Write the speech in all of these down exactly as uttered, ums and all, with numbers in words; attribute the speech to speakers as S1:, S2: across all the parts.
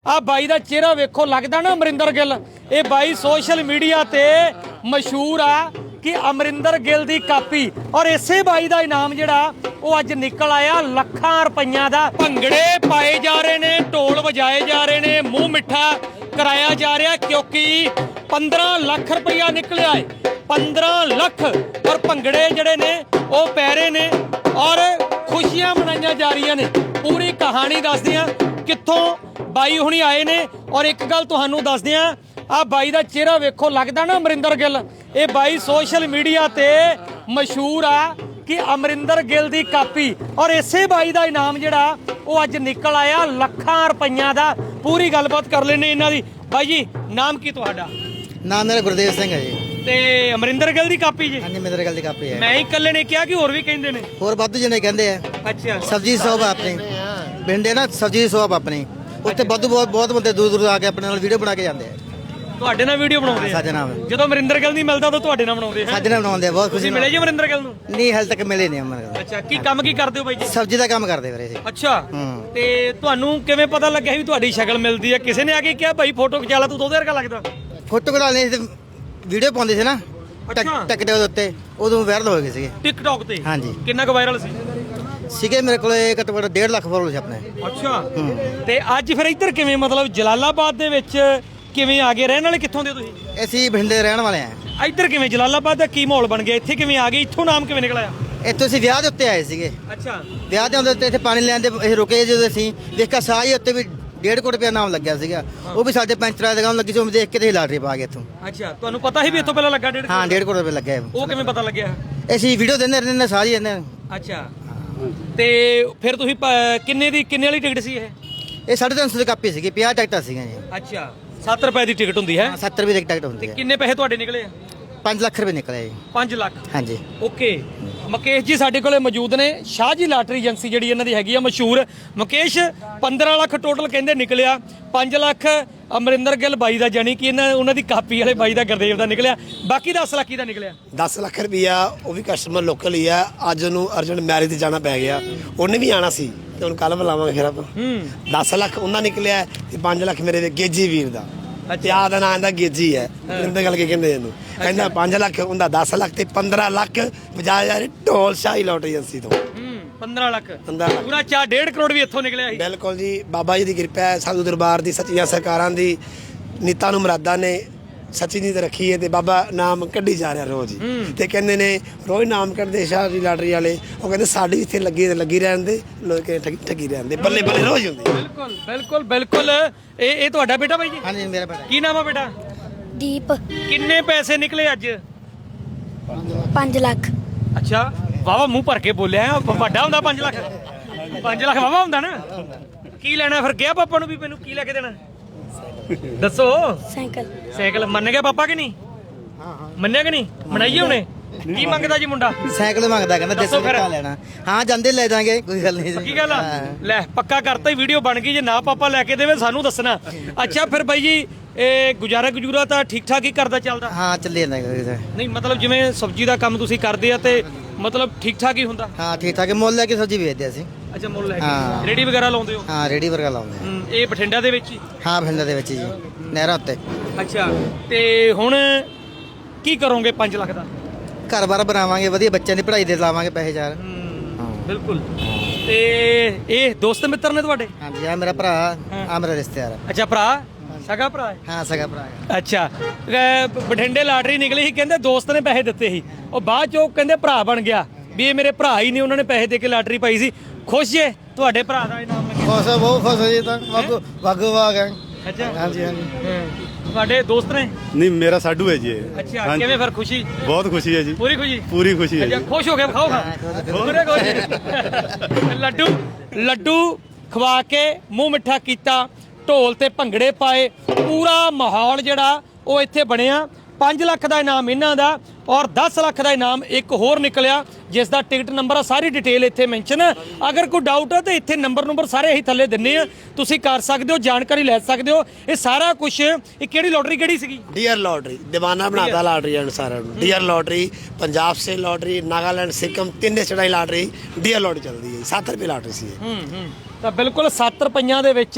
S1: आ by दा चेहरा वेखो लगदा ना अमरिंदर गिल। ये बाई सोशल मीडिया ते मशहूर आ कि अमरिंदर गिल दी कापी और इसे बाई दा इनाम जिहड़ा वो अज निकल आया लखां रुपइयां दा। भंगड़े पाए जा रहे ने, ढोल वजाए जा रहे ने, मुंह मिठा कराया जा रहा क्योंकि पंद्रह लाख रुपया निकलिया है। पंद्रह लाख और भंगड़े जिहड़े ने वो पै रहे ने और खुशियां मनाइयां जा रही ने। पूरी कहानी दसदे आ कित्थों बाई हुणी आए ने और एक गल तुहानूं दसदे आ आ बाई दा चेहरा वेखो लगदा ना अमरिंदर गिल। ये बाई सोशल मीडिया ते मशहूर आ कि अमरिंदर गिल दी कापी और इसे बाई दा इनाम जिहड़ा वो अज निकल आया लखां रुपइयां दा। पूरी गलबात कर लेने इन्हां दी। बाई जी नाम की तुहाडा?
S2: नाम मेरा गुरदेव सिंह है जी।
S1: ते अमरिंदर गिल दी कापी जी?
S2: हाँ जी अमरिंदर गिल दी कापी है।
S1: मैं ही कल्ले ने कहा कि होर भी कहिंदे ने?
S2: होर वाधू जने कहंदे आ।
S1: अच्छा
S2: सब्जी शॉप अपनी भिंडे ना सब्जी शॉप अपनी उत्ते वाधू बहुत बहुत बंदे दूर दूर आके अपने नाल वीडियो बना के जाते हैं।
S1: ਤੁਹਾਡੇ ਨਾਲ ਵੀਡੀਓ ਬਣਾਉਂਦੇ ਆ?
S2: ਸਾਡੇ ਨਾਲ
S1: ਜਦੋਂ ਅਮਰਿੰਦਰ ਗਿਲ ਨਹੀਂ ਮਿਲਦਾ ਤਾਂ ਤੁਹਾਡੇ ਨਾਲ ਬਣਾਉਂਦੇ ਆ?
S2: ਸਾਡੇ ਨਾਲ ਬਣਾਉਂਦੇ ਆ। ਬਹੁਤ ਖੁਸ਼ੀ
S1: ਤੁਸੀਂ ਮਿਲੇ ਜੀ ਅਮਰਿੰਦਰ ਗਿਲ ਨੂੰ?
S2: ਨਹੀਂ ਹਾਲੇ ਤੱਕ ਮਿਲੇ ਨਹੀਂ ਅਮਰਿੰਦਰ।
S1: ਅੱਛਾ ਕੀ ਕੰਮ ਕੀ ਕਰਦੇ ਹੋ ਬਾਈ ਜੀ?
S2: ਸਬਜ਼ੀ ਦਾ ਕੰਮ ਕਰਦੇ ਵੀਰੇ ਜੀ।
S1: ਅੱਛਾ
S2: ਹੂੰ।
S1: ਤੇ ਤੁਹਾਨੂੰ ਕਿਵੇਂ ਪਤਾ ਲੱਗਿਆ ਵੀ ਤੁਹਾਡੀ ਸ਼ਕਲ ਮਿਲਦੀ ਹੈ? ਕਿਸੇ ਨੇ ਆ ਕੇ ਕਿਹਾ ਭਾਈ ਫੋਟੋ ਖਿਚਾ ਲਾ ਤੂੰ ਉਹਦੇ ਵਰਗਾ ਲੱਗਦਾ?
S2: ਫੋਟੋ ਕਢਾਉਣੀ ਤੇ ਵੀਡੀਓ ਪਾਉਂਦੇ ਸੀ ਨਾ
S1: ਅੱਛਾ।
S2: ਟਿਕਟੌਕ ਦੇ ਉੱਤੇ ਉਦੋਂ ਵਾਇਰਲ ਹੋ ਗਏ ਸੀਗੇ।
S1: ਟਿਕਟੌਕ ਤੇ?
S2: ਹਾਂਜੀ।
S1: ਕਿੰਨਾ ਕੁ ਵਾਇਰਲ ਸੀ?
S2: ਸੀਗੇ ਮੇਰੇ ਕੋਲ ਘੱਟੋ ਘੱਟ ਡੇਢ ਲੱਖ ਫੋਲੋਅਰ ਸੀ ਆਪਣੇ।
S1: ਅੱਛਾ ਤੇ ਅੱਜ ਫਿਰ ਇੱਧਰ ਕਿਵੇਂ ਮਤਲਬ ਜਲਾਲਾਬਾਦ ਦੇ ਵਿੱਚ ਕਿਵੇਂ ਆ ਗਏ? ਰਹਿਣ ਵਾਲੇ ਕਿੱਥੋਂ ਦੇ ਤੁਸੀਂ?
S2: ਅਸੀਂ ਬਠਿੰਡੇ ਰਹਿਣ ਵਾਲੇ ਆ।
S1: ਇੱਧਰ ਕਿਵੇਂ ਜਲਾਲਾਬਾਦ ਦਾ ਕੀ ਮਾਹੌਲ ਬਣ ਗਿਆ? ਇੱਥੇ ਕਿਵੇਂ ਆ ਗਏ? ਇੱਥੋਂ ਨਾਮ ਕਿਵੇਂ ਨਿਕਲਿਆ?
S2: ਇੱਥੋਂ ਅਸੀਂ ਵਿਆਹ ਦੇ ਉੱਤੇ ਆਏ ਸੀਗੇ।
S1: ਅੱਛਾ
S2: ਵਿਆਹ ਦੇ ਹੁੰਦੇ ਇੱਥੇ ਪਾਣੀ ਲੈਣ ਦੇ ਅਸੀਂ ਰੁਕੇ ਜਦੋਂ ਅਸੀਂ ਦੇਖਿਆ ਸਾਹ ਹੀ ਉੱਤੇ ਵੀ ਡੇਢ ਕੋਟ ਰੁਪਇਆ ਨਾਮ ਲੱਗਿਆ ਸੀਗਾ। ਉਹ ਵੀ ਸਾਡੇ ਪੈਂਚਰਾਂ ਦੇ ਕੰਮ ਲੱਗੀ ਸੀ। ਉਹ ਦੇਖ ਕੇ ਤੇ ਲਾਟਰੀ ਪਾ ਗਏ ਇੱਥੋਂ।
S1: ਅੱਛਾ ਤੁਹਾਨੂੰ ਪਤਾ ਸੀ ਵੀ ਇੱਥੋਂ ਪਹਿਲਾਂ ਲੱਗਾ ਡੇਢ?
S2: ਹਾਂ ਡੇਢ ਕੋਟ ਰੁਪਇਆ ਲੱਗਿਆ।
S1: ਉਹ ਕਿਵੇਂ ਪਤਾ ਲੱਗਿਆ?
S2: ਅਸੀਂ ਵੀਡੀਓ ਦਿੰਦੇ ਰਹਿੰਦੇ ਸਾਰੀ ਰਹਿੰਦੇ।
S1: ਅੱਛਾ ਤੇ ਫਿਰ ਤੁਸੀਂ ਪ- ਕਿੰਨੇ ਦੀ ਕਿੰਨੇ ਵਾਲੀ ਟਿਕਟ ਸੀ ਇਹ?
S2: ਇਹ ਸਾਢੇ ਤਿੰਨ ਸੌ ਦੀ ਕਾਪੀ ਸੀਗੀ। ਪੰਜਾਹ ਟਿਕਟਾਂ ਸੀਗੀਆਂ ਜੀ।
S1: ਅੱਛਾ ਸੱਤ ਰੁਪਏ ਦੀ ਟਿਕਟ ਹੁੰਦੀ ਹੈ?
S2: ਸੱਤਰ ਰੁਪਏ ਦੀ ਟਿਕਟ ਹੁੰਦੀ ਹੈ।
S1: ਕਿੰਨੇ ਪੈਸੇ ਤੁਹਾਡੇ ਨਿਕਲੇ?
S2: ਪੰਜ ਲੱਖ ਰੁਪਏ ਨਿਕਲੇ ਜੀ।
S1: ਪੰਜ ਲੱਖ?
S2: ਹਾਂਜੀ।
S1: ਓਕੇ ਮੁਕੇਸ਼ ਜੀ ਸਾਡੇ ਕੋਲੇ ਮੌਜੂਦ ਨੇ। ਸ਼ਾਹ ਜੀ ਲਾਟਰੀ ਏਜੰਸੀ ਜਿਹੜੀ ਇਹਨਾਂ ਦੀ ਹੈਗੀ ਆ ਮਸ਼ਹੂਰ। ਮੁਕੇਸ਼ ਪੰਦਰਾਂ ਲੱਖ ਟੋਟਲ ਕਹਿੰਦੇ ਨਿਕਲਿਆ। ਪੰਜ ਲੱਖ ਅਮਰਿੰਦਰ ਗਿੱਲ ਬਾਈ ਦਾ ਜਾਨੀ ਕਿ ਇਹਨਾਂ ਉਹਨਾਂ ਦੀ ਕਾਪੀ ਵਾਲੇ ਬਾਈ ਦਾ ਗੁਰਦੇਵ ਦਾ ਨਿਕਲਿਆ। ਬਾਕੀ ਦਸ ਲੱਖ ਦਾ ਨਿਕਲਿਆ।
S3: ਦਸ ਲੱਖ ਰੁਪਈਆ ਉਹ ਵੀ ਕਸਟਮਰ ਲੋਕਲ ਹੀ ਆ। ਅੱਜ ਉਹਨੂੰ ਅਰਜੈਂਟ ਮੈਰਿਜ ਤੇ ਜਾਣਾ ਪੈ ਗਿਆ। ਉਹਨੇ ਵੀ ਆਣਾ ਸੀ ਤੇ ਹੁਣ ਕੱਲ ਬੁਲਾਵਾਂਗੇ ਫਿਰ ਆਪਾਂ। ਦਸ ਲੱਖ ਉਹਨਾਂ ਨਿਕਲਿਆ ਤੇ ਪੰਜ ਲੱਖ ਮੇਰੇ ਗੇਜੀ ਵੀਰ ਦਾ। ਤੇ ਆਹ ਦਾ ਨਾਂ ਇਹਦਾ ਗੇਜੀ ਹੈ। ਅਮਰਿੰਦਰ ਗੱਲ ਕੇ ਕਹਿੰਦੇ ਇਹਨੂੰ ਕਹਿੰਦਾ ਪੰਜ ਲੱਖ ਉਹਦਾ ਦਸ ਲੱਖ ਤੇ ਪੰਦਰਾਂ ਲੱਖ ਬਜਾਜ ਯਾਰ ਢੋਲ ਸ਼ਾਹੀ ਲੋਟਰੀ ਏਜੰਸੀ ਤੋਂ।
S1: ਪੰਦਰਾਂ ਲੱਖ
S3: ਪੰਦਰਾਂ ਲੱਖ
S1: ਪੂਰਾ ਚਾਰ ਡੇਢ ਕਰੋੜ ਵੀ ਇੱਥੋਂ ਨਿਕਲਿਆ ਸੀ।
S3: ਬਿਲਕੁਲ ਜੀ ਬਾਬਾ ਜੀ ਦੀ ਕਿਰਪਾ ਹੈ। ਸਾਧੂ ਦਰਬਾਰ ਦੀ ਸੱਚੀਆਂ ਸਰਕਾਰਾਂ ਦੀ ਨੀਤਾਂ ਨੂੰ ਮੁਰਾਦਾਂ ਨੇ ਸੱਚੀ ਨੀਤ ਰੱਖੀ ਹੈ ਤੇ ਬਾਬਾ ਨਾਮ ਕੱਢੀ ਜਾ ਰਿਹਾ ਰੋਜ਼ ਹੀ। ਤੇ ਕਹਿੰਦੇ ਨੇ ਰੋਜ਼ ਨਾਮ ਕੱਢਦੇ ਸ਼ਾਹ ਦੀ ਲਾਟਰੀ ਵਾਲੇ। ਉਹ ਕਹਿੰਦੇ ਸਾਡੀ ਇੱਥੇ ਲੱਗੀ ਲੱਗੀ ਰਹਿਣ ਦੇ ਲੋਕ ਠੱਗੀ ਰਹਿਣ ਦੇ ਬੱਲੇ ਬੱਲੇ ਰੋਜ਼ ਹੁੰਦੀ।
S1: ਬਿਲਕੁਲ ਬਿਲਕੁਲ ਬਿਲਕੁਲ। ਇਹ ਇਹ ਤੁਹਾਡਾ ਬੇਟਾ ਬਾਈ ਜੀ?
S2: ਹਾਂਜੀ ਮੇਰਾ ਬੇਟਾ।
S1: ਕੀ ਨਾਮ ਆ ਬੇਟਾ?
S4: ਦੀਪ।
S1: ਕਿੰਨੇ ਪੈਸੇ ਨਿਕਲੇ ਅੱਜ?
S4: ਪੰਜ ਲੱਖ।
S1: ਅੱਛਾ ਵਾਵਾ ਮੂੰਹ ਭਰ ਕੇ ਬੋਲਿਆ। ਵੱਡਾ ਹੁੰਦਾ ਪੰਜ ਲੱਖ? ਪੰਜ ਲੱਖ ਵਾਵਾ ਹੁੰਦਾ ਨਾ। ਕੀ ਲੈਣਾ ਫਿਰ? ਗਿਆ ਪਾਪਾ ਨੂੰ ਵੀ ਮੈਨੂੰ ਕੀ ਲੈ ਕੇ ਦੇਣਾ ਦੱਸੋ?
S4: ਸਾਈਕਲ।
S1: ਸਾਈਕਲ ਮੰਨ ਗਿਆ ਪਾਪਾ ਕਿ ਨਹੀਂ? ਮੰਨਿਆ ਕਿ ਨਹੀਂ? ਮਨਾਈਏ ਹੁਣੇ। ਕੀ ਮੰਗਦਾ ਜੀ ਮੁੰਡਾ?
S2: ਸਾਈਕਲ ਮੰਗਦਾ ਕਹਿੰਦਾ
S1: ਦੱਸੋ
S2: ਦੇਸੀ
S1: ਫਿਰ।
S2: ਕਾ ਲੈਣਾ। ਹਾਂ ਜਾਂਦੇ ਲੈ ਜਾਾਂਗੇ ਕੋਈ ਗੱਲ ਨਹੀਂ।
S1: ਕੀ ਗੱਲ ਆ? ਲੈ ਪੱਕਾ ਕਰਤਾ ਹੀ ਵੀਡੀਓ ਬਣ ਗਈ। ਜੇ ਨਾ ਪਾਪਾ ਲੈ ਕੇ ਦੇਵੇ ਸਾਨੂੰ ਦੱਸਣਾ। ਅੱਛਾ ਫਿਰ ਬਾਈ ਜੀ ਇਹ ਗੁਜ਼ਾਰਾ ਗੁਜੂਰਾ ਤਾਂ ਠੀਕ ਠਾਕ ਹੀ ਕਰਦਾ ਚੱਲਦਾ?
S2: ਹਾਂ ਚੱਲੇ ਜਾਂਦਾ।
S1: ਨਹੀਂ ਮਤਲਬ ਜਿਵੇਂ ਸਬਜ਼ੀ ਦਾ ਕੰਮ ਤੁਸੀਂ ਕਰਦੇ ਆ ਤੇ ਮਤਲਬ ਠੀਕ ਠਾਕ ਹੀ ਹੁੰਦਾ?
S2: ਹਾਂ ਠੀਕ ਠਾਕ ਮੁੱਲ ਲੈ ਕੇ ਸਬਜ਼ੀ ਵੇਚਦੇ ਅਸੀਂ।
S1: ਅੱਛਾ ਮੁੱਲ ਲੈ
S2: ਹਾਂ।
S1: ਕੇ ਰੇੜੀ ਵਗੈਰਾ ਲਾਉਂਦੇ ਹੋ?
S2: ਹਾਂ ਰੇੜੀ ਵਰਗਾ ਲਾਉਂਦੇ ਆ।
S1: ਹੂੰ, ਇਹ ਬਠਿੰਡਾ ਦੇ ਵਿੱਚ ਹੀ?
S2: ਹਾਂ ਬਠਿੰਡਾ ਦੇ ਵਿੱਚ ਜੀ ਨਹਿਰਾਂ ਉੱਤੇ।
S1: ਅੱਛਾ ਤੇ ਹੁਣ ਕੀ ਕਰੋਗੇ ਪੰਜ ਲੱਖ ਦਾ?
S2: ਘਰ ਬਾਰ ਬਣਾਵਾਂਗੇ ਵਧੀਆ ਬੱਚਿਆਂ ਦੀ ਪੜ੍ਹਾਈ ਦੇ ਲਾਵਾਂਗੇ ਪੈਸੇ ਚਾਰ।
S1: ਹਾਂ ਬਿਲਕੁਲ। ਤੇ ਇਹ ਦੋਸਤ ਮਿੱਤਰ ਨੇ ਤੁਹਾਡੇ?
S2: ਹਾਂਜੀ ਆ ਮੇਰਾ ਭਰਾ ਆ ਮੇਰਾ ਰਿਸ਼ਤੇਦਾਰ।
S1: ਅੱਛਾ ਭਰਾ ਸਗਾ ਭਰਾ ਹੈ?
S2: ਹਾਂ ਸਗਾ ਭਰਾ ਹੈ।
S1: ਅੱਛਾ ਅਹ ਬਠਿੰਡੇ ਲਾਟਰੀ ਨਿਕਲੀ ਸੀ ਕਹਿੰਦੇ ਦੋਸਤ ਨੇ ਪੈਸੇ ਦਿੱਤੇ ਸੀ। ਉਹ ਬਾਅਦ ਚੋਂ ਕਹਿੰਦੇ ਭਰਾ ਬਣ ਗਿਆ ਵੀ ਇਹ ਮੇਰੇ ਭਰਾ ਹੀ ਨੇ। ਉਹਨਾਂ ਨੇ ਪੈਸੇ ਦੇ ਕੇ ਲਾਟਰੀ ਪਾਈ ਸੀ। ਖੁਸ਼ ਜੇ ਤੁਹਾਡੇ ਭਰਾ ਦਾ ਇਨਾਮ ਲੱਗਿਆ?
S2: ਖੁਸ਼ ਆ ਬਹੁਤ ਖੁਸ਼ ਜੀ ਤਾਂ ਵਾਗੂ ਵਾਗੂ ਵਾਗ ਹੈ।
S1: ਅੱਛਾ
S2: ਹਾਂਜੀ ਹਾਂਜੀ।
S1: ਤੁਹਾਡੇ ਦੋਸਤ ਨੇ?
S5: ਨਹੀਂ ਮੇਰਾ ਸਾਡੂ ਹੈ ਜੀ ਇਹ।
S1: ਅੱਛਾ
S5: ਹਾਂਜੀ।
S1: ਕਿਵੇਂ ਫਿਰ ਖੁਸ਼ੀ?
S5: ਬਹੁਤ ਖੁਸ਼ੀ ਹੈ ਜੀ।
S1: ਪੂਰੀ ਖੁਸ਼ੀ?
S5: ਪੂਰੀ ਖੁਸ਼ੀ ਹੈ
S1: ਅੱਛਾ
S5: ਜੀ।
S1: ਖੁਸ਼ ਹੋ ਕੇ ਖਾਓ ਖਾ ਪੂਰੇ ਖੁਸ਼। ਲੱਡੂ ਲੱਡੂ ਖਵਾ ਕੇ ਮੂੰਹ ਮਿੱਠਾ ਕੀਤਾ। ਢੋਲ ਤੇ ਭੰਗੜੇ ਪਾਏ। ਪੂਰਾ ਮਾਹੌਲ ਜਿਹੜਾ ਉਹ ਇੱਥੇ ਬਣਿਆ। ਪੰਜ ਲੱਖ ਦਾ ਇਨਾਮ ਇਹਨਾਂ ਦਾ ਔਰ ਦਸ ਲੱਖ ਦਾ ਇਨਾਮ ਇੱਕ ਹੋਰ ਨਿਕਲਿਆ ਜਿਸ ਦਾ ਟਿਕਟ ਨੰਬਰ ਆ। ਸਾਰੀ ਡਿਟੇਲ ਇੱਥੇ ਮੈਂਸ਼ਨ। ਅਗਰ ਕੋਈ ਡਾਊਟ ਹੈ ਤਾਂ ਇੱਥੇ ਨੰਬਰ ਨੰਬਰ ਸਾਰੇ ਅਸੀਂ ਥੱਲੇ ਦਿੰਨੇ ਆ। ਤੁਸੀਂ ਕਰ ਸਕਦੇ ਹੋ ਜਾਣਕਾਰੀ ਲੈ ਸਕਦੇ ਹੋ। ਇਹ ਸਾਰਾ ਕੁਝ ਇਹ ਕਿਹੜੀ ਲੋਟਰੀ ਕਿਹੜੀ ਸੀਗੀ?
S3: ਡੀਅਰ ਲॉटरी दीवाना बनाता लॉटरी सारा ਡੀਅਰ लॉटरी पंजाब से लॉटरी नागालैंड सिक्किम तीन स्टेटां लॉटरी ਡੀਅਰ लॉटरी चलती है। सत्त रुपये लॉटरी सी
S1: ਹੂੰ ਹੂੰ ਤਾਂ ਬਿਲਕੁਲ ਸੱਤ ਰੁਪਈਆਂ ਦੇ ਵਿੱਚ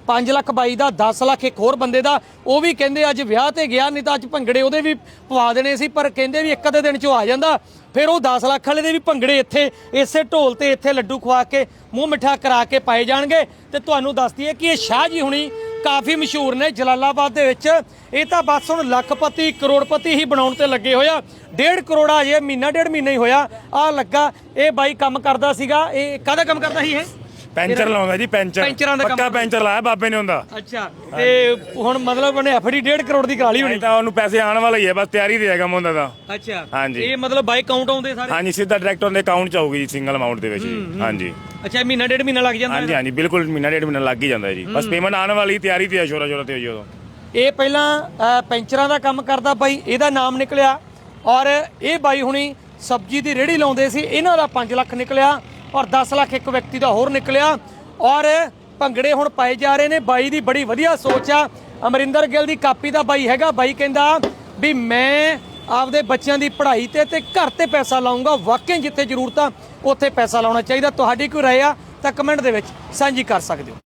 S1: ਪੰਜ ਲੱਖ ਬਾਈ ਦਾ, ਦਸ ਲੱਖ ਇੱਕ ਹੋਰ ਬੰਦੇ ਦਾ। ਉਹ ਵੀ ਕਹਿੰਦੇ ਅੱਜ ਵਿਆਹ ਤੇ ਗਿਆ, ਨਹੀਂ ਤਾਂ ਅੱਜ ਭੰਗੜੇ ਉਹਦੇ ਵੀ ਪਵਾ ਦੇਣੇ ਸੀ, ਪਰ ਕਹਿੰਦੇ ਵੀ ਇੱਕ ਅੱਧੇ ਦਿਨ 'ਚੋਂ ਆ ਜਾਂਦਾ। ਫਿਰ ਉਹ ਦਸ ਲੱਖ ਵਾਲੇ ਦੇ ਵੀ ਭੰਗੜੇ ਇੱਥੇ ਇਸੇ ਢੋਲ ਤੇ ਇੱਥੇ ਲੱਡੂ ਖਵਾ ਕੇ ਮੂੰਹ ਮਿੱਠਾ ਕਰਾ ਕੇ ਪਾਏ ਜਾਣਗੇ। ਤੇ ਤੁਹਾਨੂੰ ਦੱਸ ਦਈਏ ਕਿ ਇਹ ਸ਼ਾਹ ਜੀ ਹੁਣੀ ਕਾਫੀ ਮਸ਼ਹੂਰ ਨੇ ਜਲਾਲਾਬਾਦ ਦੇ ਵਿੱਚ। ਇਹ ਤਾਂ ਬਸ ਹੁਣ ਲੱਖਪਤੀ ਕਰੋੜਪਤੀ ਹੀ ਬਣਾਉਣ ਤੇ ਲੱਗੇ ਹੋਇਆ। ਡੇਢ ਕਰੋੜਾ ਜੇ ਮਹੀਨਾ ਡੇਢ ਮਹੀਨਾ ਹੀ ਹੋਇਆ ਆ ਲੱਗਾ। ਇਹ ਬਾਈ ਕੰਮ ਕਰਦਾ ਸੀਗਾ, ਇਹ ਕਾਹਦਾ ਕੰਮ ਕਰਦਾ ਸੀ ਇਹ?
S5: ਪੈਂਚਰ ਲਾਉਂਦਾ ਜੀ, ਪੈਂਚਰ
S1: ਪੈਂਚਰਾਂ ਦਾ ਕੰਮ
S5: ਪੱਕਾ ਪੈਂਚਰ ਲਾਇਆ ਬਾਬੇ ਨੇ ਹੁੰਦਾ।
S1: ਅੱਛਾ, ਤੇ ਹੁਣ ਮਤਲਬ ਉਹਨੇ ਐਫਡੀ ਡੇਢ ਕਰੋੜ ਦੀ ਕਰਾ ਲਈ ਹੋਣੀ।
S5: ਤਾਂ ਉਹਨੂੰ ਪੈਸੇ ਆਉਣ ਵਾਲਾ ਹੀ ਹੈ, ਬਸ ਤਿਆਰੀ ਤੇ ਹੈਗਾ ਮੁੰਡਾ ਦਾ।
S1: ਅੱਛਾ,
S5: ਹਾਂਜੀ।
S1: ਇਹ ਮਤਲਬ ਬਾਈ ਕਾਊਂਟ ਆਉਂਦੇ ਸਾਰੇ?
S5: ਹਾਂਜੀ, ਸਿੱਧਾ ਡਾਇਰੈਕਟ ਉਹਦੇ ਅਕਾਊਂਟ ਚ ਆਊਗੀ ਜੀ, ਸਿੰਗਲ ਅਮਾਉਂਟ ਦੇ ਵਿੱਚ ਜੀ। ਹਾਂਜੀ।
S1: ਅੱਛਾ, ਮਹੀਨਾ ਡੇਢ ਮਹੀਨਾ ਲੱਗ ਜਾਂਦਾ?
S5: ਹਾਂਜੀ ਹਾਂਜੀ, ਬਿਲਕੁਲ ਮਹੀਨਾ ਡੇਢ ਮਹੀਨਾ ਲੱਗ ਹੀ ਜਾਂਦਾ ਜੀ। ਬਸ ਪੇਮੈਂਟ ਆਉਣ ਵਾਲੀ, ਤਿਆਰੀ ਤੇ ਹੈ, ਸ਼ੋਰਾ ਸ਼ੋਰਾ ਤੇ ਹੋਈ ਉਦੋਂ।
S1: ਇਹ ਪਹਿਲਾਂ ਅ, ਪੈਂਚਰਾਂ ਦਾ ਕੰਮ ਕਰਦਾ ਬਾਈ, ਇਹਦਾ ਨਾਮ ਨਿਕਲਿਆ। ਔਰ ਇਹ ਬਾਈ ਹੁਣੀ ਸਬਜ਼ੀ ਦੀ ਰੇਹੜੀ ਲਾਉਂਦੇ ਸੀ, ਇਹਨਾਂ ਦਾ ਪੰਜ ਲੱਖ ਨਿਕਲਿਆ। ਔਰ ਦਸ ਲੱਖ ਇੱਕ ਵਿਅਕਤੀ ਦਾ ਹੋਰ ਨਿਕਲਿਆ। ਔਰ ਭੰਗੜੇ ਹੁਣ ਪਾਏ ਜਾ ਰਹੇ ਨੇ। ਬਾਈ ਦੀ ਬੜੀ ਵਧੀਆ ਸੋਚ ਆ। ਅਮਰਿੰਦਰ ਗਿੱਲ ਦੀ ਕਾਪੀ ਦਾ ਬਾਈ ਹੈਗਾ। ਬਾਈ ਕਹਿੰਦਾ ਵੀ ਮੈਂ ਆਪਦੇ ਬੱਚਿਆਂ ਦੀ ਪੜ੍ਹਾਈ ਤੇ ਤੇ ਘਰ ਤੇ ਪੈਸਾ ਲਾਉਂਗਾ। ਵਾਕਈ ਜਿੱਥੇ ਜ਼ਰੂਰਤ ਆ ਉੱਥੇ ਪੈਸਾ ਲਾਉਣਾ ਚਾਹੀਦਾ। ਤੁਹਾਡੀ ਕੋਈ ਰਾਏ ਆ ਤਾਂ ਕਮੈਂਟ ਦੇ ਵਿੱਚ ਸਾਂਝੀ ਕਰ ਸਕਦੇ ਹੋ।